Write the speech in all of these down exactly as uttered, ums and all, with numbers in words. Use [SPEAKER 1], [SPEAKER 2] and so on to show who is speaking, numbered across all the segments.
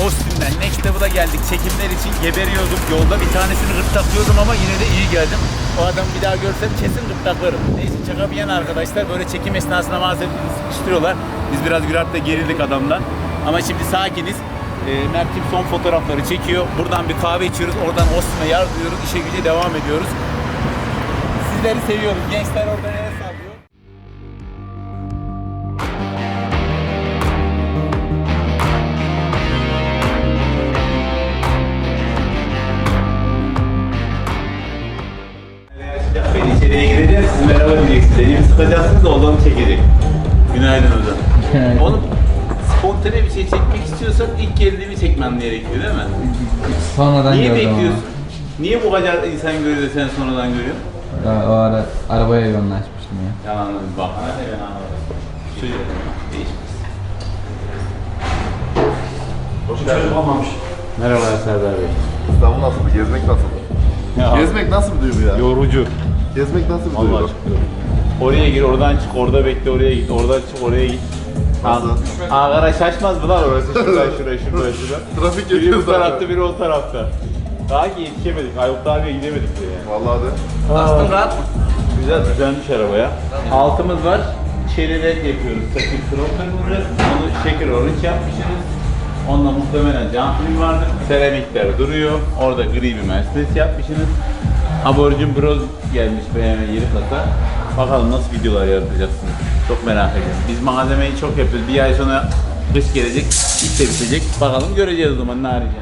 [SPEAKER 1] Austin'den Next Level'a geldik. Çekimler için geberiyordum. Yolda bir tanesini gırtlaklıyordum ama yine de iyi geldim. O adamı bir daha görsem kesin gırtlaklarım. Neyse şaka bir yana arkadaşlar, böyle çekim esnasında maalesef sıkıştırıyorlar. Biz biraz Gürat'la gerildik adamla. Ama şimdi sakiniz. E, Mert'im son fotoğrafları çekiyor. Buradan bir kahve içiyoruz. Oradan Austin'e yardırıyoruz. İşe güce devam ediyoruz. Sizleri seviyoruz. Gençler orada nereye sallıyor? Ben içeriye gireceğim, siz merhaba diyeceksiniz. Elimi sıkacaksınız da odanı çekecek. Günaydın hocam. Oğlum, spontane bir şey çekmek istiyorsan ilk geldiğimi çekmem gerekiyor değil mi?
[SPEAKER 2] Sonradan
[SPEAKER 1] Niye
[SPEAKER 2] gördüm
[SPEAKER 1] bekliyorsun? Ama. Niye bu kadar insan görüyor da sen sonradan görüyorsun?
[SPEAKER 2] O ara arabaya yoğunlaşmıştım ya.
[SPEAKER 1] Yalanla bir bak. Hadi ben anladım. Çocuk değişmez.
[SPEAKER 3] Hoş geldin. Olmamış.
[SPEAKER 1] Merhaba Serdar Bey.
[SPEAKER 3] İstanbul nasıl? Gezmek nasıl?
[SPEAKER 1] Ya,
[SPEAKER 3] Gezmek nasıl bir duygu ya?
[SPEAKER 1] yorucu.
[SPEAKER 3] Gezmek nasıl bir
[SPEAKER 1] Allah
[SPEAKER 3] duygu?
[SPEAKER 1] aşkına. Oraya gir, oradan çık, orada bekle, oraya git, oradan çık, oraya git.
[SPEAKER 3] Nasıl?
[SPEAKER 1] Ankara şaşmaz mı lan orası? Şuradan şuraya, şuraya, şuraya.
[SPEAKER 3] Trafik
[SPEAKER 1] Biri
[SPEAKER 3] geçiyor
[SPEAKER 1] bu tarafta,
[SPEAKER 3] zaten.
[SPEAKER 1] biri o tarafta. Daha ki yetişemedik, Ayıp abiye gidemedik bile yani.
[SPEAKER 3] Vallahi de.
[SPEAKER 1] Aslında rahat mı? Güzel, düzenmiş arabaya. Altımız var, çeriler yapıyoruz. Takip kroker vuracağız, onu şeker orange yapmışsınız. Onunla muhtemelen cam film vardır. Seramikler duruyor, orada gri bir Mercedes yapmışsınız. Aborjin Bros gelmiş B M W yeni kasa. Bakalım nasıl videolar yaratacaksınız. Çok merak ediyorum. Biz malzemeyi çok yapıyoruz. Bir ay sonra kış gelecek, iş de bitecek. Bakalım göreceğiz o zaman ne arayacağız.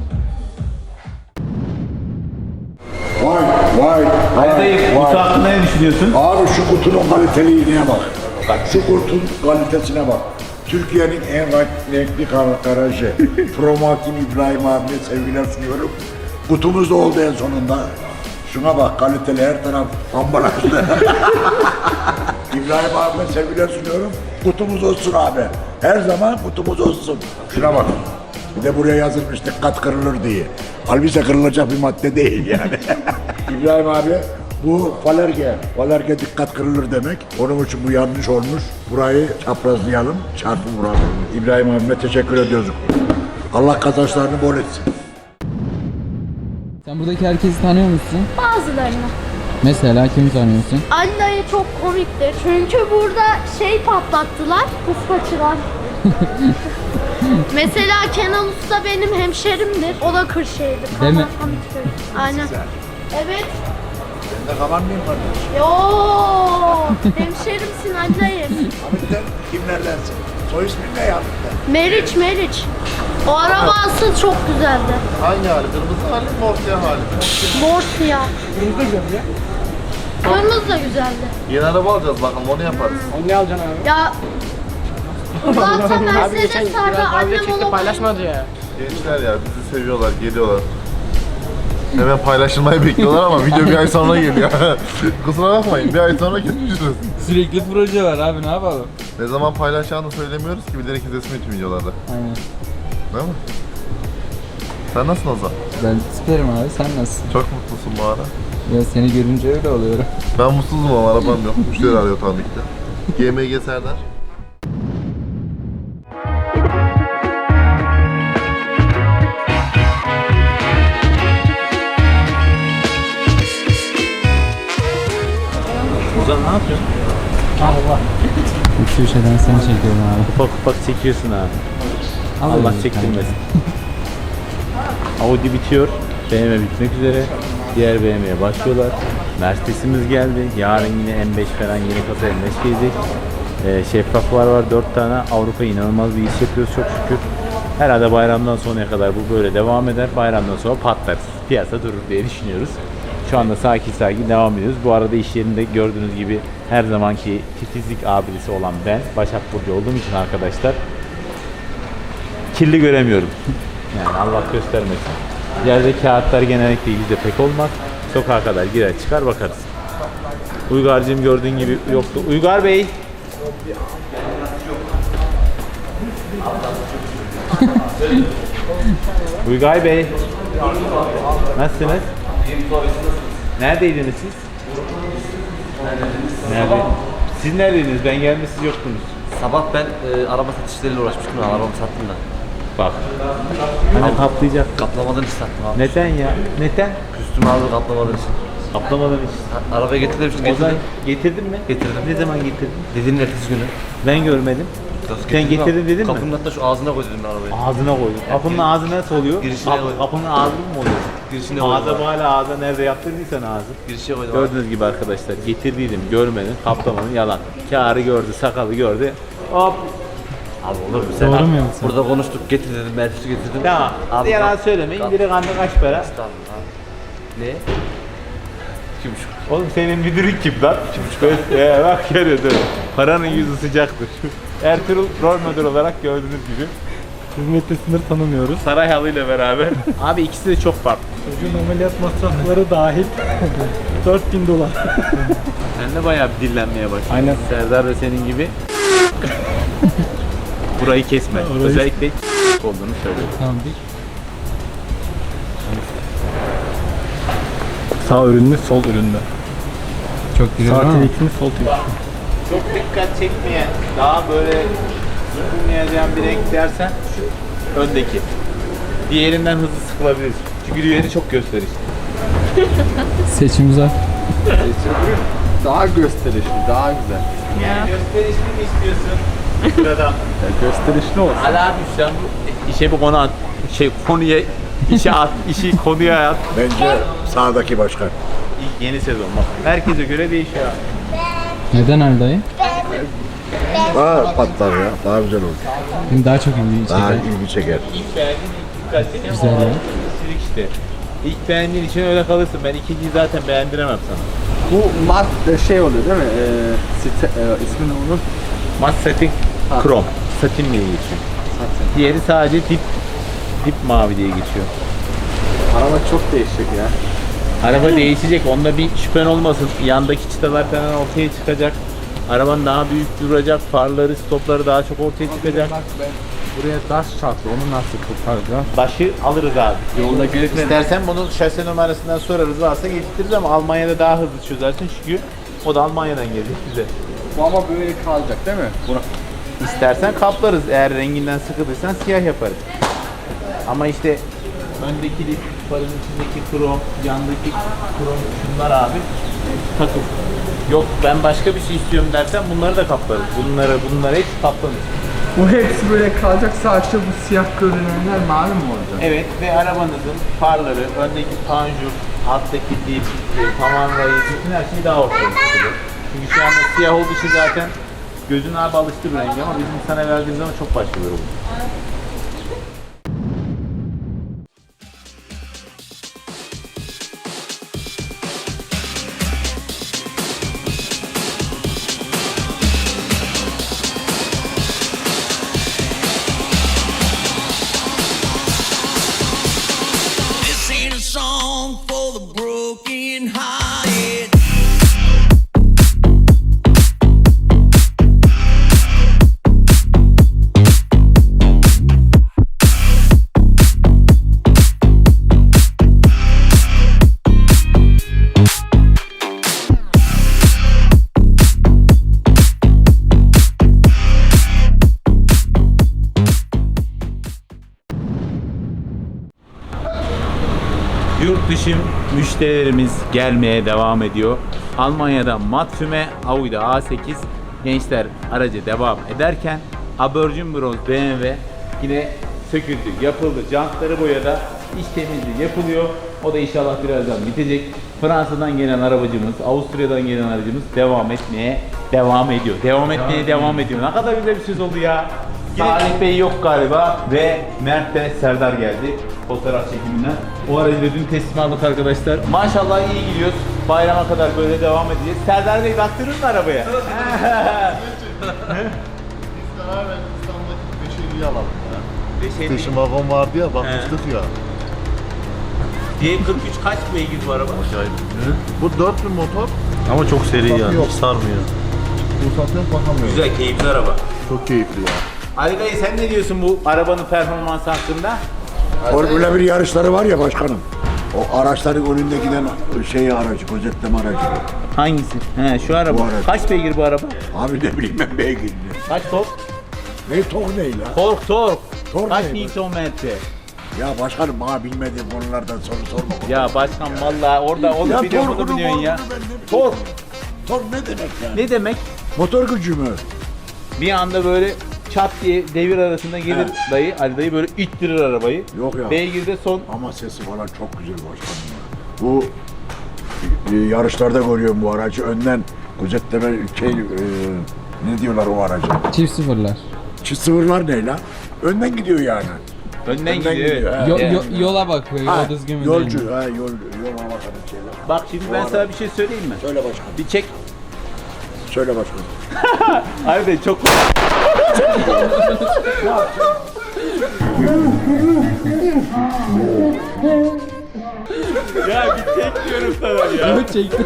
[SPEAKER 4] Vay vay
[SPEAKER 1] Hadi
[SPEAKER 4] vay
[SPEAKER 1] dayı,
[SPEAKER 4] vay.
[SPEAKER 1] kutu hakkında ne düşünüyorsun?
[SPEAKER 4] Abi şu kutunun kaliteliğine bak. Bak şu kutunun kalitesine bak. Türkiye'nin en renkli kar- garajı. Promakin İbrahim abime sevgiler sunuyorum. Kutumuz da oldu en sonunda. Şuna bak, kaliteli, her taraf ambalajlı. İbrahim abime sevgiler sunuyorum. Kutumuz olsun abi. Her zaman kutumuz olsun. Şuna bak. Bir de buraya yazılmış dikkat kırılır diye. Halbuki kırılacak bir madde değil yani. İbrahim abi, bu falerge. Falerge dikkat kırılır demek. Onun için bu yanlış olmuş. Burayı çaprazlayalım, çarpı vuralım. İbrahim abime teşekkür ediyoruz. Allah kazançlarını bol etsin.
[SPEAKER 2] Sen buradaki herkesi tanıyor musun?
[SPEAKER 5] Bazılarını.
[SPEAKER 2] Mesela kimi tanıyorsun?
[SPEAKER 5] Ali dayı çok komiktir. Çünkü burada şey patlattılar, kıskaçılar. Mesela Kenan Usta benim hemşerimdir. O da Kırşehir'dir.
[SPEAKER 2] Değil mi?
[SPEAKER 5] Hamitköy. Aynen. Evet.
[SPEAKER 4] Ben de kalan mıyım kardeş?
[SPEAKER 5] Yo, hemşerimsin Ali dayı.
[SPEAKER 4] Hamit'ten kimlerdensin? Soy ismin ne ya Hamit'ten?
[SPEAKER 5] Meriç, Meriç. O araba asıl çok güzeldi.
[SPEAKER 3] Hangi hali? Kırmızı hali mi? Mor siyah hali mi?
[SPEAKER 5] Mor siyah. Kırmızı da güzeldi ya. Kırmızı da güzeldi.
[SPEAKER 3] Yeni araba alacağız bakalım, onu yaparız.
[SPEAKER 6] Onu ne alacaksın abi?
[SPEAKER 5] Ya zaten
[SPEAKER 6] Abi geçen
[SPEAKER 5] Mercedes vardı,
[SPEAKER 6] Gürat abiyle
[SPEAKER 5] annem
[SPEAKER 6] çekti
[SPEAKER 5] onu
[SPEAKER 6] paylaşmadı ya.
[SPEAKER 3] Gençler ya, bizi seviyorlar, geliyorlar. Hemen paylaşılmayı bekliyorlar ama video bir ay sonra geliyor. Kusura bakmayın, bir ay sonra görüşürüz.
[SPEAKER 2] Sürekli proje var abi, ne yapalım?
[SPEAKER 3] Ne zaman paylaşacağını söylemiyoruz ki, bilerek izlesin bütün videolarda.
[SPEAKER 2] Aynen.
[SPEAKER 3] Değil mi? Sen nasılsın Ozan?
[SPEAKER 2] Ben süperim abi, sen nasılsın?
[SPEAKER 3] Çok mutlusun bu ara.
[SPEAKER 2] Ya seni görünce öyle oluyorum.
[SPEAKER 3] Ben mutsuzum ama arabam yok. Müşteri arıyor tabii ki de. G M G Serdar.
[SPEAKER 1] Ozan ne yapıyorsun?
[SPEAKER 2] Üç köşeden seni çekiyorum abi.
[SPEAKER 1] Ufak ufak çekiyorsun abi.
[SPEAKER 2] Al
[SPEAKER 1] Allah
[SPEAKER 2] öyle
[SPEAKER 1] çektirmesin. Audi bitiyor. B M W bitmek üzere. Diğer B M W'ye başlıyorlar. Mercedes'imiz geldi. Yarın yine M beş falan yeni kasa M beş gelecek. Ee, şeffaflar var dört tane. Avrupa inanılmaz bir iş yapıyoruz çok şükür. Herhalde bayramdan sonraya kadar bu böyle devam eder. Bayramdan sonra patlarız. Piyasa durur diye düşünüyoruz. Şu anda sakin sakin devam ediyoruz. Bu arada iş yerinde gördüğünüz gibi her zamanki titizlik abidesi olan ben, Başak Burcu olduğum için arkadaşlar kirli göremiyorum. Yani Allah göstermesin. Yerde kağıtlar genellikle yüzde pek olmaz. Sokağa kadar girer çıkar bakarız. Uygar'cığım gördüğün gibi yoktu. Uygar Bey. Uygar Bey. Nasılsınız? Neredeydiniz siz? Nerede? Siz neredeydiniz? Ben geldim siz yoktunuz.
[SPEAKER 7] Sabah ben e, araba satışlarıyla uğraşmıştım, arabamı sattım da.
[SPEAKER 1] Bak. Hani kaplayacak.
[SPEAKER 6] Kaplamadan istedim abi.
[SPEAKER 1] Neden ya? Neden?
[SPEAKER 6] Üstüme abi kaplamadan için.
[SPEAKER 1] Kaplamadan hiç.
[SPEAKER 6] Ha, Arabaya getirdim işte
[SPEAKER 1] O zaman
[SPEAKER 6] getirdim.
[SPEAKER 1] getirdin mi?
[SPEAKER 6] Getirdim.
[SPEAKER 1] Ne zaman getirdin?
[SPEAKER 6] Dediğinin ertesi günü.
[SPEAKER 1] Ben görmedim.
[SPEAKER 6] Nasıl
[SPEAKER 1] Sen
[SPEAKER 6] getirdim
[SPEAKER 1] getirdin
[SPEAKER 6] abi?
[SPEAKER 1] dedin mi?
[SPEAKER 6] Kapının hatta şu ağzına koy dedim ben arabayı.
[SPEAKER 1] Ağzına koydum. Kapının ağzı nasıl oluyor?
[SPEAKER 6] Girişine
[SPEAKER 1] Kap-
[SPEAKER 6] koydum.
[SPEAKER 1] kapının ağzı mı oluyor?
[SPEAKER 6] Girişine koydum
[SPEAKER 1] Ağza
[SPEAKER 6] abi.
[SPEAKER 1] hala ağza nerede yaptırdıysan ağzı.
[SPEAKER 6] Girişe koydum abi.
[SPEAKER 1] Gördüğünüz gibi arkadaşlar getirdiydim görmedim kaplamanın yalan. Kârı gördü sakalı gördü. Hop.
[SPEAKER 6] Abi olur mu sen?
[SPEAKER 2] Doğru
[SPEAKER 6] Abi,
[SPEAKER 2] mu yoksa?
[SPEAKER 6] Burada konuştuk getir dedim ertesi getirdim.
[SPEAKER 1] Tamam.
[SPEAKER 6] Abi,
[SPEAKER 1] Yalan
[SPEAKER 6] kap-
[SPEAKER 1] söylemeyin.
[SPEAKER 6] kap-
[SPEAKER 1] Direkt anda kaç para?
[SPEAKER 6] Estağfurullah abi. Ne? İki buçuk.
[SPEAKER 1] Oğlum senin müdürün kim lan? Ee, bak görüyorsun. Paranın yüzü sıcaktır. Ertuğrul rol model olarak gördüğünüz gibi.
[SPEAKER 7] Hizmette sınır tanımıyoruz.
[SPEAKER 1] Saray halıyla beraber. Abi ikisi de çok farklı.
[SPEAKER 7] Çocuğun ameliyat masrafları dahil dört bin dolar.
[SPEAKER 1] Sen de bayağı bir dillenmeye başladın.
[SPEAKER 7] Aynen.
[SPEAKER 1] Serdar da senin gibi. Burayı kesme.
[SPEAKER 7] Orayı-
[SPEAKER 1] Özellikle olduğunu söylüyorum.
[SPEAKER 2] Tamam bir.
[SPEAKER 7] Sağ ürünlü, sol ürünlü.
[SPEAKER 2] Çok güzel
[SPEAKER 7] Sağ
[SPEAKER 2] ama
[SPEAKER 7] telikli, sol telikli.
[SPEAKER 1] Çok dikkat çekmeyen, daha böyle sıkılmayacağın bir renk dersen şu öndeki. Diğerinden hızlı sıkılabilir. Çünkü diğeri çok gösterişli.
[SPEAKER 2] seçim zor.
[SPEAKER 3] Daha gösterişli, daha güzel.
[SPEAKER 1] Yani gösterişli mi istiyorsun? Buradan.
[SPEAKER 3] Gösterişli olsun.
[SPEAKER 1] Hala düşsen bu işe bu konu at. Şey konuya işe at, işi konuya at.
[SPEAKER 4] Bence sağdaki başkan.
[SPEAKER 1] İlk yeni sezon bak. Herkese göre değişiyor.
[SPEAKER 2] Neden Ali dayı?
[SPEAKER 4] Daha patlar ya. Daha güzel olur.
[SPEAKER 2] Benim daha çok ilgi
[SPEAKER 4] Daha
[SPEAKER 2] çeker.
[SPEAKER 4] ilgi çeker.
[SPEAKER 1] İlk beğendiğin ilk dikkat çeken
[SPEAKER 2] Güzel
[SPEAKER 1] o
[SPEAKER 2] ya.
[SPEAKER 1] kişilik işte. İlk beğendiğin için öyle kalırsın. Ben ikinciyi zaten beğendiremem sana.
[SPEAKER 3] Bu mat şey oluyor değil mi? Ee, site, e, ismi ne onun?
[SPEAKER 1] Mat satin krom. Satin diye geçiyor. Diğeri sadece dip dip mavi diye geçiyor.
[SPEAKER 3] Araba çok değişik ya.
[SPEAKER 1] Araba değişecek. Onda bir şüphen olmasın. Yandaki çıtalar falan ortaya çıkacak. Araban daha büyük duracak. Farları, stopları daha çok ortaya çıkacak.
[SPEAKER 3] Buraya taş çarptı, onu nasıl kurtaracağız?
[SPEAKER 1] Başı alırız abi.
[SPEAKER 3] Yolda gelirken
[SPEAKER 1] İstersen bunu şase numarasından sorarız. Varsa getiririz ama Almanya'da daha hızlı çözersin çünkü o da Almanya'dan gelecek bize.
[SPEAKER 3] bu ama böyle kalacak değil mi? Bunu
[SPEAKER 1] İstersen kaplarız. Eğer renginden sıkıldıysan siyah yaparız. Ama işte öndeki lif, farın içindeki krom, yandaki krom şunlar abi takım. Yok ben başka bir şey istiyorum dersen bunları da kaplarız. Bunları bunları hiç kaplanır.
[SPEAKER 8] Bu hepsi böyle kalacak, sadece bu siyah görünenler mavi mi olacak?
[SPEAKER 1] Evet ve arabanızın farları, öndeki panjur, alttaki dip, e, tavan rayı, bütün her şey daha ortaya çıkıyor. Çünkü şu anda siyah olduğu için zaten gözün abi alıştı bu rengi ama bizim sana verdiğimiz zaman çok başka bir oluyor.
[SPEAKER 9] This ain't a song for the broken hearted.
[SPEAKER 1] Yurt dışı müşterilerimiz gelmeye devam ediyor. Almanya'da Matfüme, Audi'de A sekiz gençler araca devam ederken Abercin Bronz B M W yine söküldü, yapıldı. Jantları boyada, iç temizliği yapılıyor. O da inşallah birazdan bitecek. Fransa'dan gelen arabacımız, Avusturya'dan gelen aracımız devam etmeye devam ediyor. Devam etmeye devam ediyor. Ne kadar güzel bir söz oldu ya. Salih Bey yok galiba ve Mert de Serdar geldi fotoğraf çekiminden. O aracı da dün teslim aldık arkadaşlar. Maşallah iyi gidiyoruz. Bayrama kadar böyle devam edeceğiz. Serdar Bey baktırır mı arabaya?
[SPEAKER 3] Biz karar verdik İstanbul'daki beşeriyi alalım ya.
[SPEAKER 1] Beşeri.
[SPEAKER 3] Station wagon vardı ya, bakmıştık ya.
[SPEAKER 1] D kırk üç kaç beygir bu araba?
[SPEAKER 3] Bu dört bin motor,
[SPEAKER 7] Ama çok seri
[SPEAKER 3] yani,
[SPEAKER 7] yani,
[SPEAKER 3] hiç
[SPEAKER 7] hiç sarmıyor.
[SPEAKER 3] ruhsatlıyorum bakamıyorum.
[SPEAKER 1] Güzel, keyifli araba.
[SPEAKER 3] Çok keyifli ya.
[SPEAKER 1] Ali Bey sen ne diyorsun bu arabanın performansı hakkında?
[SPEAKER 4] Formula bir yarışları var ya başkanım. O araçların önünde giden şey aracı, gözetleme aracı.
[SPEAKER 1] Hangisi? He şu araba.
[SPEAKER 4] Bu araba.
[SPEAKER 1] Kaç beygir bu araba?
[SPEAKER 4] Abi ne bileyim ben beygirli.
[SPEAKER 1] Kaç tork?
[SPEAKER 4] Ne tok ne la?
[SPEAKER 1] Tork tork.
[SPEAKER 4] Sormayın.
[SPEAKER 1] Kaç Newton metre?
[SPEAKER 4] Ya başkanım bana bilmediğim konulardan soru sorma.
[SPEAKER 1] Ya başkan vallahi orada onu
[SPEAKER 4] Ya
[SPEAKER 1] biliyor bunu
[SPEAKER 4] torkunu,
[SPEAKER 1] biliyorsun ya.
[SPEAKER 4] morkunu ben ne bileyim.
[SPEAKER 1] Tor.
[SPEAKER 4] Tor ne demek yani?
[SPEAKER 1] Ne demek?
[SPEAKER 4] Motor gücü mü?
[SPEAKER 1] Bir anda böyle çat diye devir arasında gelir dayı. Ali dayı böyle ittirir arabayı.
[SPEAKER 4] Yok ya.
[SPEAKER 1] Beygir'de son.
[SPEAKER 4] Ama sesi falan çok güzel başkanım ya. Bu e, yarışlarda görüyorum bu aracı. Önden gözetleme şey, e, ne diyorlar o araca?
[SPEAKER 2] Çift sıfırlar.
[SPEAKER 4] Çift sıfırlar ne lan? Önden gidiyor yani.
[SPEAKER 1] Önden gidiyor. Evet.
[SPEAKER 4] ha.
[SPEAKER 2] Yo-
[SPEAKER 1] Evet.
[SPEAKER 2] yo- yola bakıyor.
[SPEAKER 4] Ha,
[SPEAKER 2] Yol düzgün mü değil mi?
[SPEAKER 4] yolcu, ha, yol, yol bakalım şeyler.
[SPEAKER 1] Bak şimdi ben sana bir şey söyleyeyim mi?
[SPEAKER 4] Söyle başkanım.
[SPEAKER 1] Bir çek.
[SPEAKER 4] Söyle başkanım.
[SPEAKER 1] Ali dayı çok Ya bir çek diyorum sana ya.
[SPEAKER 2] Evet çektim.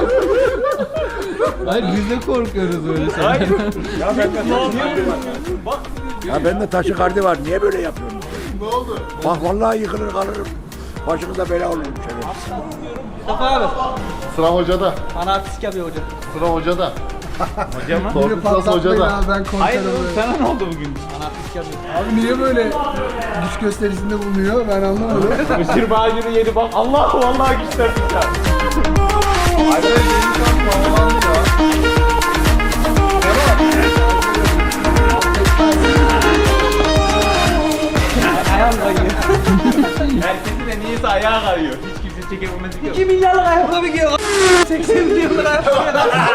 [SPEAKER 2] Hayır biz de korkuyoruz öyle şeylerden.
[SPEAKER 1] Hayır.
[SPEAKER 4] Ya bende taşı kardi var. Ya bende taşı kardi var. Niye böyle yapıyorsun?
[SPEAKER 3] Ne oldu?
[SPEAKER 4] Bak vallahi yıkılır kalırım. Başınıza bela olurum şöyle.
[SPEAKER 6] Mustafa abi.
[SPEAKER 3] Sıra hocada.
[SPEAKER 6] Bana artistik yapıyor hocam.
[SPEAKER 3] Sıra hocada.
[SPEAKER 1] Hocam mı?
[SPEAKER 3] Torpil sırası hocada.
[SPEAKER 8] Abi ben
[SPEAKER 1] Hayır
[SPEAKER 8] konserim
[SPEAKER 1] oğlum
[SPEAKER 8] böyle.
[SPEAKER 1] sana ne oldu bugün?
[SPEAKER 8] Abi niye böyle güç gösterisinde bulunuyor ben anlamadım.
[SPEAKER 1] Mısır bağcını yedi bak. Allah vallahi güçlendik ya.
[SPEAKER 3] Hadi yeni şans havalandı ya.
[SPEAKER 1] Ayağım kayıyor. Herkesin de niyeyse ayağı kayıyor. Hiç kimse çekememesi yok.
[SPEAKER 6] iki milyarlık ayakkabı giyiyor. seksen milyarlık ayakkabı.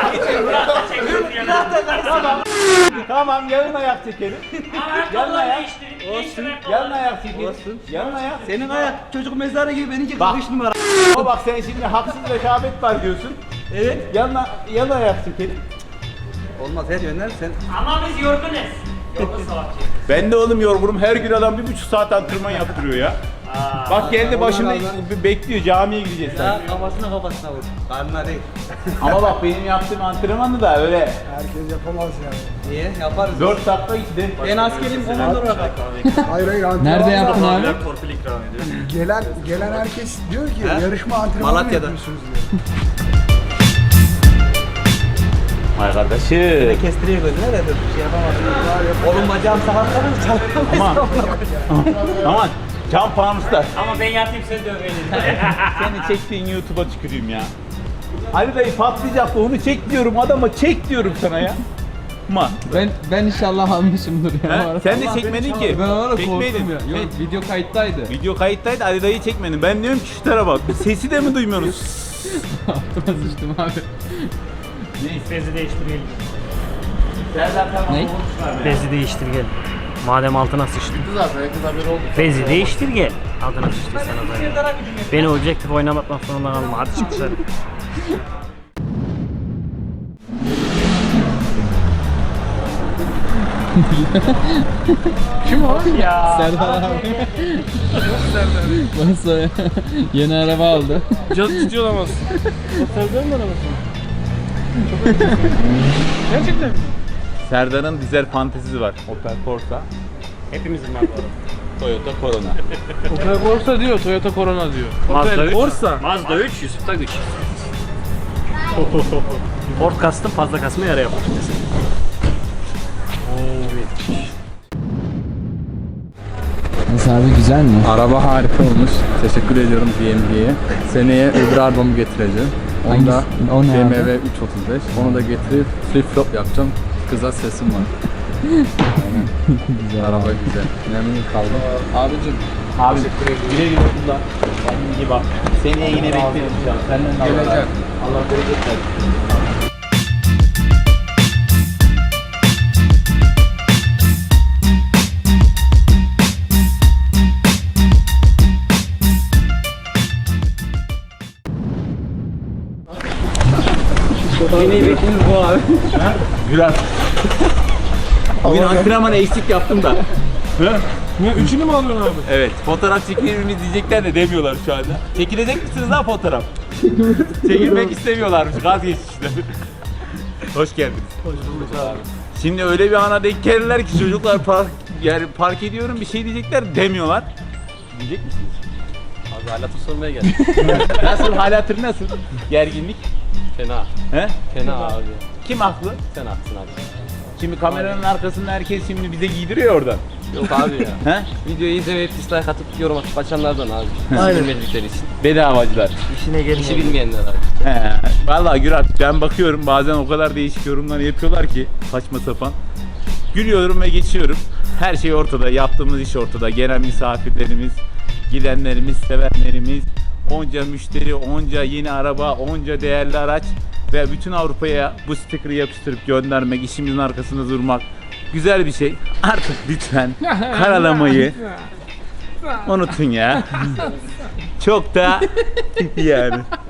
[SPEAKER 1] Tamam. Tamam yarın ayak çekelim. Yarın ayak. Olsun. Yarın ayak çekelim. Olsun. Yarın ayak.
[SPEAKER 6] Senin ayak çocuk mezarı gibi benimki
[SPEAKER 1] Bak.
[SPEAKER 6] kırk üç numara.
[SPEAKER 1] Ama bak sen şimdi haksız rekabet var diyorsun.
[SPEAKER 6] Evet.
[SPEAKER 1] Yarın, yarın ayak çekelim.
[SPEAKER 6] Olmaz her yönden sen.
[SPEAKER 10] Ama biz yorgunuz. Yorgun savaşçı.
[SPEAKER 1] Ben de oğlum yorgunum. Her gün adam bir buçuk saat antrenman yaptırıyor ya. Bak geldi başımda bekliyor. Camiye gideceğiz sen.
[SPEAKER 6] Ya kafasına kafasına vur. Karnına değil.
[SPEAKER 1] Ama bak benim yaptığım antrenmanı da öyle
[SPEAKER 8] Herkes yapamaz yani.
[SPEAKER 6] Niye? Yaparız.
[SPEAKER 1] dört dakika gitti.
[SPEAKER 6] Ben askerim komando olarak.
[SPEAKER 8] Hayır hayır antrenman.
[SPEAKER 2] Nerede yaptın abi?
[SPEAKER 10] Torpil ikram ediyor.
[SPEAKER 8] Gelen gelen herkes diyor ki
[SPEAKER 6] He?
[SPEAKER 8] yarışma antrenmanı mı
[SPEAKER 6] Malatya'da.
[SPEAKER 8] yapıyorsunuz diyor.
[SPEAKER 1] Ay kardeşim.
[SPEAKER 6] Kestiriyor gözüne de bir şey yapamazsın. Oğlum bacağım sakatlanır
[SPEAKER 1] Aman. Aman. Cam fanuslar.
[SPEAKER 10] Ama ben yatayım sen dövelim.
[SPEAKER 1] Seni çektiğin YouTube'a tüküreyim ya. Ali dayı patlayacaktı onu çek diyorum adama çek diyorum sana ya. Ma.
[SPEAKER 2] Ben ben inşallah almışımdır ya. bu
[SPEAKER 1] He?
[SPEAKER 2] arada.
[SPEAKER 1] Sen de çekmedin ki.
[SPEAKER 2] Ben ona
[SPEAKER 1] Çekmeydin.
[SPEAKER 2] korktum ya. Yok video kayıttaydı.
[SPEAKER 1] Video kayıttaydı Ali dayı çekmedin. Ben diyorum ki şu tarafa bak. Sesi de mi duymuyoruz?
[SPEAKER 2] Altıma sıçtım abi.
[SPEAKER 10] Bezi değiştirelim.
[SPEAKER 1] Serdar tamam.
[SPEAKER 2] Ne?
[SPEAKER 10] Bezi değiştir gel. Madem altına sıçtın.
[SPEAKER 3] Zaten herkes haberi oldu.
[SPEAKER 10] Bezi değiştir gel. Altına sıçtıysan o zaman. Beni objektif oynamaktan zorunda kalma. Hadi çık dışarı.
[SPEAKER 2] Kim o?
[SPEAKER 10] Ya.
[SPEAKER 2] Serdar abi. Nasıl ya? Yeni araba aldı.
[SPEAKER 10] Caz ciddi olamaz. O Serdar'ın arabası mı? Gerçekten mi?
[SPEAKER 1] Serdar'ın dizel fantezisi var. Opel Corsa.
[SPEAKER 10] Hepimizin var bu arada.
[SPEAKER 1] Toyota Corona.
[SPEAKER 7] Opel Corsa diyor, Toyota Corona diyor.
[SPEAKER 10] Mazda üç.
[SPEAKER 7] Corsa.
[SPEAKER 10] Mazda üç, Yusuf'ta güç. Ford kastım fazla kasma yara yapar.
[SPEAKER 2] Nasıl abi güzel mi?
[SPEAKER 11] Araba harika olmuş. Teşekkür ediyorum B M W'ye. Seneye öbür arabamı getireceğim. Onu da
[SPEAKER 2] Hangisi? O ne
[SPEAKER 11] B M
[SPEAKER 2] abi?
[SPEAKER 11] W üç otuz beş. Onu da getirip flip flop yapacağım. Kıza sesim var.
[SPEAKER 2] Güzel.
[SPEAKER 11] Araba güzel. Memnun kaldım. Abicim
[SPEAKER 1] Abi güle güle kullan. Kendine iyi bak. Seneye yine bekleriz inşallah. Senden de Allah razı
[SPEAKER 11] Geleceğim.
[SPEAKER 1] olsun. Allah bereket versin.
[SPEAKER 6] Yine bekleriz bu abi.
[SPEAKER 1] Güler. Bugün antrenman eksik yaptım da.
[SPEAKER 7] Ne, üçünü mü alıyorsun abi?
[SPEAKER 1] Evet, fotoğraf çekilir miyiz diyecekler de demiyorlar şu anda. Çekilecek misiniz lan fotoğraf? Çekilmek istemiyorlarmış, vazgeçmişler. Hoş geldiniz. Hoş bulduk abi. Şimdi öyle bir ana denk gelirler ki çocuklar park, yani park ediyorum bir şey diyecekler demiyorlar. Diyecek misiniz?
[SPEAKER 6] Abi halatı sormaya geldim.
[SPEAKER 1] Nasıl, hal hatır nasıl? Gerginlik?
[SPEAKER 6] Fena.
[SPEAKER 1] He?
[SPEAKER 6] Fena abi.
[SPEAKER 1] Kim haklı?
[SPEAKER 6] Sen haklısın abi.
[SPEAKER 1] Şimdi kameranın arkasında herkes şimdi bize giydiriyor oradan.
[SPEAKER 6] Yok abi ya.
[SPEAKER 1] He?
[SPEAKER 6] Videoyu izlemeyip dislike atıp yorum atıp açanlardan abi. Aynen. Bilmedikleri için.
[SPEAKER 1] Bedavacılar.
[SPEAKER 10] İşine gelin.
[SPEAKER 6] İşi bilmeyenler abi.
[SPEAKER 1] He. Vallahi Gürat ben bakıyorum bazen o kadar değişik yorumlar yapıyorlar ki saçma sapan. Gülüyorum ve geçiyorum. Her şey ortada. Yaptığımız iş ortada. Gelen misafirlerimiz, gidenlerimiz, sevenlerimiz, onca müşteri, onca yeni araba, onca değerli araç ve bütün Avrupa'ya bu sticker'ı yapıştırıp göndermek, işimizin arkasında durmak güzel bir şey. Artık lütfen karalamayı unutun ya. Çok da yani.